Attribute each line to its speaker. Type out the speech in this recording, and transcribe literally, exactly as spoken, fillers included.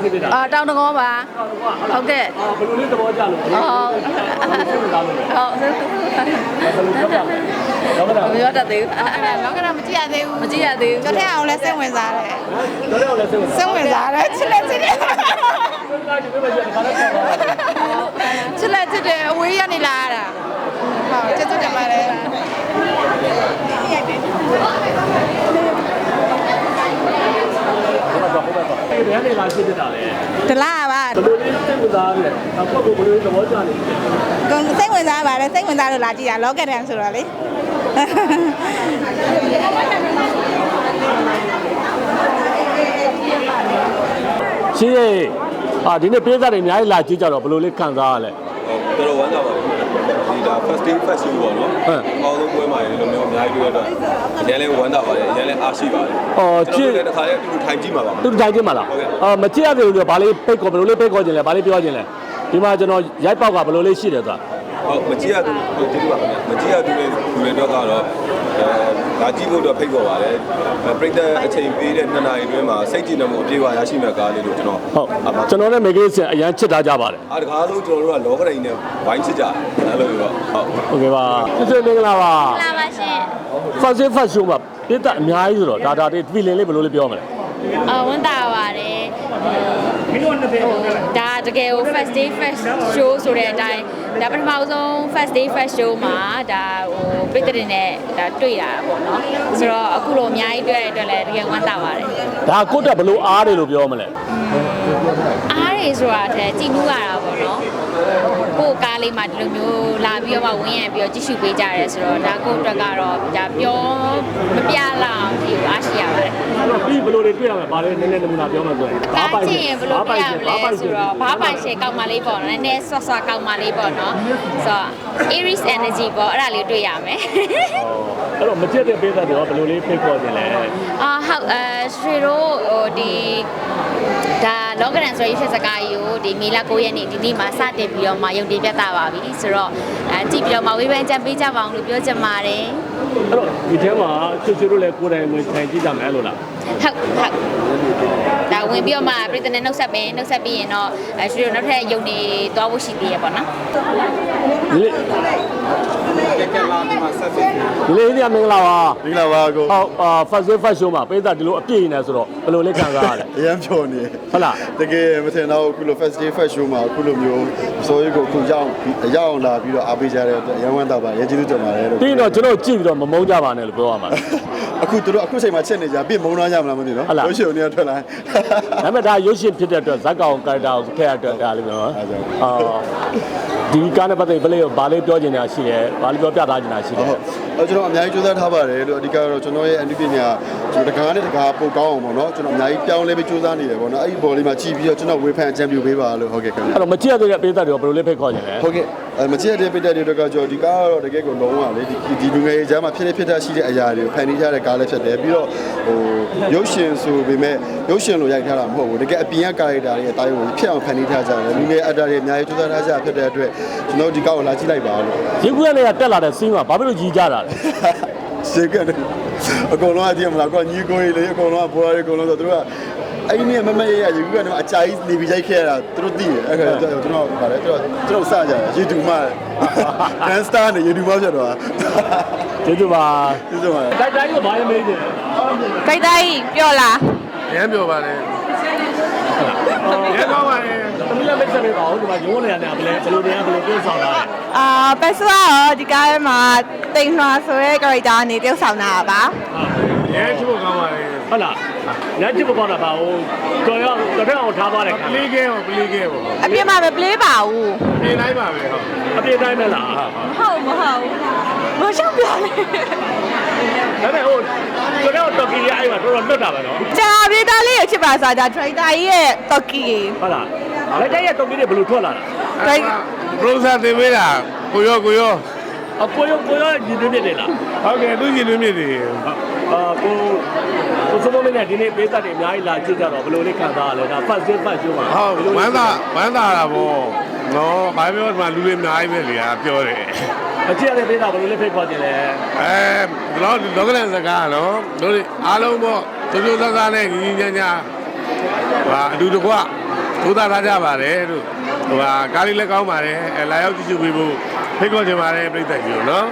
Speaker 1: ဖြစ်နေတာအာတောင်တကောပါဟုတ်ကဲ့အာဘယ်လိုလေးသဘောကျလို့ဟုတ်ဟုတ်ဟုတ်မပြောတတ်သေးဘူးအဲ့ဒါတော့ကတော့မကြည့်ရသေးဘူးမကြည့်ရသေးဘူးကျွန်တော်အောင်လဲစိတ်ဝင်စားတယ်ကျွန်တော်အောင်လဲစိတ်ဝင်စားတယ်ချစ်လက်ချစ်တယ်ချစ်လက်ချစ်တယ်အဝေးရနေလာရတာဟုတ်ကျေးဇူးတင်ပါတယ်ဒီနေ့လာဖြစ်တာလေတလားပါဘယ်လိုလေးစိတ်ဝင်စားလဲအခုကဘယ်လိုသဘောကျနေလဲကိုစိတ်ဝင်စားပါတယ်စိတ်ဝင်စားလို့လာကြည့်တာလောကတန်ဆိုတော့လေရှင်းရဲ့အာဒီနေ့ပေးစားတွေအများကြီးလာကြည့်ကြတော့ဘယ်လိုလေးခံစားရလဲ
Speaker 2: တော်တော်ဝမ်းသာပါဘူးဒီဒါ first day first show ပေါ့နော်ဟုတ်အော်ဆုံးပွဲမှာလည်းလိုမျိုးအများကြီးတွေ့ရတော့အရင်လည်းဝမ်းသာပါတယ်အရင်လည်းအားရှိပါတယ်
Speaker 1: အော်ကြည့်
Speaker 2: တခါလေးတူတူထိုင်ကြည့်မှာပါ
Speaker 1: တူတူထိုင်ကြည့်မှာလားအော်မကြည့်ရသေးဘူးဆိုဘာလေးပိတ်ခေါ်ဘယ်လိုလေးပိတ်ခေါ်ခြင်းလဲဘာလေးပြောခြင်းလဲဒီမှာကျွန်တော်ရိုက်ပေါက်ကဘယ်လိုလေးရှိတယ်ဆိုတာ
Speaker 2: ဟုတ်မကြည့်ရသူကျေးဇူးပါခင်ဗျမကြည့်ရသူတွေလူတွေတော့ကတော့အဲဒါကြည့်ဖို့တော့ဖိတ်ခေါ်ပါတယ်ပရိသတ်အချိန်ပေးတဲ့နှစ်နာရီတွင်းမှာစိတ်ကြည်နမှုအပြည့်အဝရရှိမဲ့ကားလေးလို့ကျွန်တော်
Speaker 1: ဟုတ်ကျွန်တော်လည်းမေကေးစင်အရန်ချစ်ထားကြပါတယ်
Speaker 2: အားတကားလို့ကျွန်တော်တို့ကလောကဒိန်နဲ့ဝိုင်းချစ်ကြတယ်အဲ့လိုမျိုးပေါ့
Speaker 1: ဟုတ်โอเคပါကျေးဇူးမင်္ဂလာပါ
Speaker 3: မင်္ဂလာပါရှင်
Speaker 1: first day first show မှာပြည်သက်အများကြီးဆိုတော့ဒါဒါတွေ feeling လေးဘယ်လိုလေးပြောမလဲ
Speaker 3: အော်ဝန်တာပါတယ်မင်းတို့နှစ်ဖက်ဒါတကယ်ကို first day first show ဆိုတဲ့အတိုင်းဒါပထမဆုံး first day first show မှာဒါဟိုပြည်သက်တွေနဲ့ဒါတွေ့တာပေါ့နော်ဆိုတော့အခုလိုအများကြီးတွေ့ရတဲ့အတွက်လည်းတကယ်ဝန်တာပါတယ်
Speaker 1: ဒါကိုတက်ဘယ်လိုအားတွေလို့ပြောမလဲ
Speaker 3: အားတွေဆိုတာတည်းကြည်နူးရတာပေါ့နော်ကိုယ်ကားလေးမှာဒီလိုမျိုးလာပြီးတော့မှဝင်းရံပြီးတော့ကြည့်ရှုပေးကြရဲဆိုတော့ဒါကိုအတွက်ကတော့ဒါပြောမပြလောက်အောင်ဒီအားရှိရပါတယ်
Speaker 1: အဲ့တော့ပြီးဘယ်လိုတွေတွေ့ရမလဲဘာလဲနည်းနည်းနမူနာပြောမှဆိုရင်
Speaker 3: ဘာပိုင်ရင်ဘယ်လိုပြရမလဲဆိုတော့ဘာပိုင်ရှယ်ကောက်မှလေးပေါ့နော်နည်းနည်းဆွတ်ဆွတ်ကောက်မှလေးပေါ့နော်ဆိုတော့ Aries energy ပေါ့အဲ့ဒါလေးတွေ့ရမယ်
Speaker 1: အဲ့တော့မကြက်တဲ့ပေးသက်တွေရောဘယ်လိုလေးဖိတ်ခေါ်ခြင်းလဲ
Speaker 3: အာဟုတ်အဲရွှေတို့ဟိုဒီဒါလောကရန်ဆိုရေးဖြစ်စကားကြီးကိုဒီမေလ၉ရက်နေ့ဒီနေ့မှာစတင်ပြီးတော့မှရုံတင်ပြသပါပြီဆိုတော့အဲကြည့်ပြီးတော့မှဝေဖန်ကြံပေးကြပါအောင်လို့ပြောချင်ပါတယ်
Speaker 1: အဲ့တော့ဒီထဲမှာချွတ်ချွတ်တို့လည်းကိုယ်တိုင်ဝင်ထိုင်ကြည့်ကြမယ်လို့လား
Speaker 3: ဟုတ်ဟုတ်ဒါဝင်ပြီးတော့မှပြည်တဲ့နှုတ်ဆက်ပင်နှုတ်ဆက်ပြီးရင်တော့အဲရွှေတို့နောက်ထပ်ရုံနေသွားဖို့ရှိသေးရပေါ့နော်
Speaker 1: ဒီလေ
Speaker 2: ကဲလာဒီမှာဆက်ပြီး
Speaker 1: ဒီလေဒီမင်္ဂလာပါ
Speaker 2: မင်္ဂလာပါကို
Speaker 1: ဟုတ်အာ first day first show မှာပေးသက်ဒီလိုအပြည့်နေဆိုတော့ဘယ်လိုလဲခံစားရလဲ
Speaker 2: အရင်ပြောနေ
Speaker 1: ဟုတ်လား
Speaker 2: တကယ်မထင်တော့အခုလို first day first show မှာအခုလိုမျိုးစိုးရိမ်ကိုအခုရောက်ရောက်အောင်လာပြီးတော့အားပေးကြတဲ့အတွက်ရန်ဝမ်းတော့ပါရကျေးဇူးတင်ပါတယ်လို့
Speaker 1: ပြီးတော့ကျွန်တော်ကြည့်ပြီးတော့မမုန်းကြပါနဲ့လို့ပြောရမှာ
Speaker 2: အခုတို့အခုချိန်မှာချက်နေကြပြစ်မုန်းတော့ကြမလားမသိနော်ရုပ်ရှင်နေထွက်လာ
Speaker 1: ဒါပေမဲ့ဒါရုပ်ရှင်ဖြစ်တဲ့အတွက်ဇက်ကောင်ကာရက်တာကိုဖက်ရအတွက်ဒါလေးနော်အာဒီကားနဲ့ပတ်သက်ပြီးဘာလေးပြောချင်တာရှိတယ်ဘာလေးပြောပြသားချင်တာရှိတယ်
Speaker 2: ဟုတ်အဲကျွန်တော်အများကြီးကြိုးစားထားပါတယ်လို့အဓိကတော့ကျွန်တော်ရဲ့အန်တီပညာကျွန်တော်တကားနဲ့တကားပို့ကောင်းအောင်ပေါ့နော်ကျွန်တော်အများကြီးပြောင်းလဲပြီးကြိုးစားနေတယ်ပေါ့နော်အဲ့ဒီဘော်လေးမှာကြည့်ပြီးတော့ကျွန်တော်ဝေဖန်အကြံပြုပေးပါလို့ဟုတ်ကဲ့ခင်ဗျ
Speaker 1: အဲ့တော့မကြည့်ရသေးတဲ့ပေးသက်တွေဘယ်လိုလေးဖိတ်ခေါ်ချင်လဲ
Speaker 2: ဟုတ်ကဲ့အဲမကြည့်ရတဲ့ပေးသက်တွေတော့ကျွန်တော်ဒီကားကတော့တကယ်ကိုလုံးဝလေဒီဒီလူငယ်ရေးကြားမှာဖြစ်နေဖြစ်တာရှိတဲ့အရာတွေကိုဖန်တီးထားတဲ့ကားလေးဖြစ်တယ်ပြီးတော့ဟိုရုပ်ရှင်ဆိုပေမဲ့ရုပ်ရှင်လိုရိုက်ထားတာမဟုတ်ဘူးတကယ်အပြင်ကကာရက်တာတွေအတိုင်းကိုဖြစ်အောင်ဖန်တီးထားကြတယ်လူငယ်အက်တာတွေအများကြီးကြိုးစားထားကြဖြစ်တဲ့အတွက်ကျွန်တော်ဒီကားကိုလာကြည့်လိုက်ပါလို့
Speaker 1: ရုပ်ကွက်လေးကတက်လာတဲ့စီးမှာဘာဖြစ်လို့ကြီးကြတာလဲ
Speaker 2: စေကအကုန်လုံးအကြည့်မလားကွာညီကိုကြီးလေအကုန်လုံးကဘောရအကုန်လုံးဆိုသူတို့ကအဲ့ဒီနေ့မမရရယူကနေအကြာကြီးနေပြီးရိုက်ခဲ့ရတာသူတို့သိတယ်အဲ့ခါကျတော့ကျွန်တော်ဗါတယ်ကျွန်တော်ကျွန်တော်စကြတယ် YouTube မှာ Grand Star နဲ့ YouTube မှာဖြစ်တော့
Speaker 1: ကျေးဇူးပါ
Speaker 2: ကျေးဇူးပါ
Speaker 1: တိုက်တိုင်းကဘာလဲမေးတယ်
Speaker 3: တိုက်တိုင်းပြောလား
Speaker 2: ရမ်းပြောပါလေရဲတော့ပါလေ
Speaker 1: သမီးလည်းမိတ်ဆက်ပေးပါဦးဒီမှာရုံးနေရတယ်ဘယ်လဲဘယ်လိုနေရဘယ်လိုပြောဆောင်တာလဲ
Speaker 3: အာပတ်စွာရောဒီကားထဲမှာတိမ်နှွာဆိုတဲ့ character အနေနဲ့ဆောင်းတာပါ
Speaker 2: ရဲချိုးကောင်းပါလေ
Speaker 1: ဟုတ်လားညချစ်ပေါ်တာပါဦးတော်ရတော်တော်အောင်ထားပါလေ
Speaker 2: ပလေးကဲပေါ့ပလေးကဲပေါ့
Speaker 3: အပြစ်မှာပဲပလေးပါဦး
Speaker 2: အပြစ်တိုင်းပါပဲဟုတ်
Speaker 1: အပြစ်တိုင်းပဲလား
Speaker 3: ဟုတ်မဟုတ်မရှောက်ပြလေ
Speaker 1: ဒါပေမဲ့ဟိုတော်တော်တော်ကြီးအဲ့မှာတော်တော်လွတ်တာပဲနော်
Speaker 3: ဂျာဗီတာလေးကိုချစ်ပါစားဒါဒရိုက်တာကြီးရဲ့တော်ကြီး
Speaker 1: ဟုတ်လားဒရိုက်တာရဲ့တော်ကြီးတွေဘယ်လိုထွက်လာတာ
Speaker 2: ဒရိုက်ပရိုဆာတင်ပေးတာကိုရောကိုရော
Speaker 1: အကိုရောကိုရောညီသွင်းနေလား
Speaker 2: ဟုတ်ကဲ့သူညီသွင်းနေတယ်
Speaker 1: အာကိုကိုစမမင်းနဲ့ဒီနေ့ပေးသက်တွေအများကြီးလာကြည့်ကြတော့ဘယ်လိုလေးခံစားရလဲဒါ first day first show မှာ
Speaker 2: ဟုတ်ဝမ်းသာဝမ်းသာတာဗောနော်ဘာပြောဒီမှာလူတွေအများကြီးပဲလေပြောတယ်
Speaker 1: အကြည့်ရတဲ့ပေးသက်ဘယ်လိုလေးဖိတ်ခေါ်ကြလဲ
Speaker 2: အဲဒီတော့လောကလန်စကားနော်တို့အားလုံးပေါ့ကျိုးကျိုးဆဆနဲ့ညီညီညာညာ
Speaker 4: ဟာအတူတကွသိုးသားထားကြပါတယ်လို့ဟိုဟာကားလေးလည်းကောင်းပါတယ်အဲလာရောက်ကြည့်ရှုပေးဖို့ဖိတ်ခေါ်ချင်ပါတယ်ပြည်သက်ကြီးတို့နော်